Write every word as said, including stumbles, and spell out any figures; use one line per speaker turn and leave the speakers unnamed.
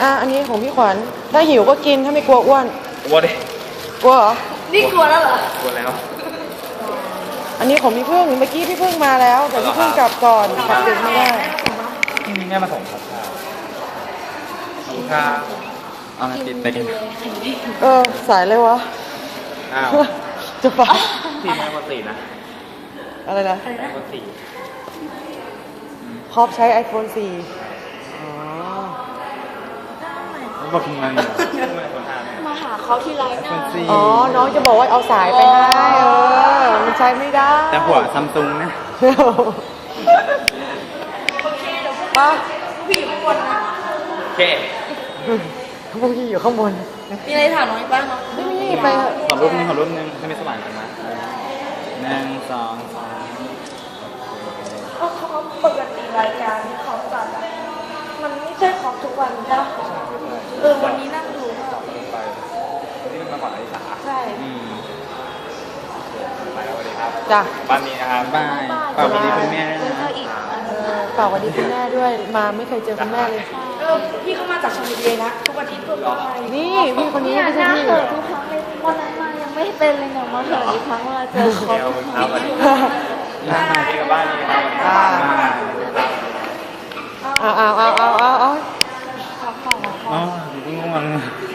อ่ะอันนี้ของพี่ขวัญถ้าหิวก็กินถ้าไม่กลัวอ้วน
กลัวดิ
กลัวเหรอ
นี่กลัวแล้วเหรอก
ลัวแล้ว
อันนี้ของพี่พึ่งเมื่อกี้พี่พึ่งมาแล้วแต่พี่พึ่งกลับก่อนกลับดึกไม่ได้
แม่มาส่งครับขอบคุณครับเอามาติดไปกิน
เออสายเลยวะ
อ้าว
จะไป
ทีมแม่คนสี่นะ
อะไรนะ
แม่คนสี่
ครอบใช้ ไอโฟน สี่อ๋อ
บอกทำไมไม่คนห้า
มาหาเขาที่ไรนะ
อ๋อน้องจะบอกว่าเอาสายไปให้เออมันใช้ไม่ได้
แต่หัวซัมซุงนะ
ปะ
พี่อยู่ข้างบนนะ
โอเค
พวกพี่อยู่ข้างบน
มีอะไรถามน้องอีกบ้างเนาะ
ไม่มีไปเถอะ
ขอรูปนึงขอรูปนึงให้ไม่สว่างกันนะหนึ่งสองสาม
เขาเขาปกติรายการที่เขาจัดอะมันไม่ใช่ของทุกวันจ้ะเออวันนี้นั่งดูก็
ไปที่มันมาก่อนอลิสา
ใช่
อืมไปแล้วสวัสดีครับ
จ้ะ
บ้านนี้นะครับบายฝากสวัสดีคุณแม่
แล้วก็อีกอัน
เออฝากสวัสดีคุณแม่ด้วยมาไม่เคยเจอคุณแม่เลย
เออพี่เขามาจากชลบุรีนะทุกอาทิตย์เพื่อไป
นี่พี่คนนี้
เนี่ย
ไม่
ห
ใช่
น้า
พี่
เหินทุกครั้งเลยวันนั้นมายังไม่เป็นเลยเนี่ยมาเหินอีกครั้งเวลาเจอเขา
เดี๋ยวคุณครับสวัสดีครับที่กับบ้านนี้ครับ
อ่าเอาเอาเอาเอาเอาเอา
ขอของ
อ๋อง่วง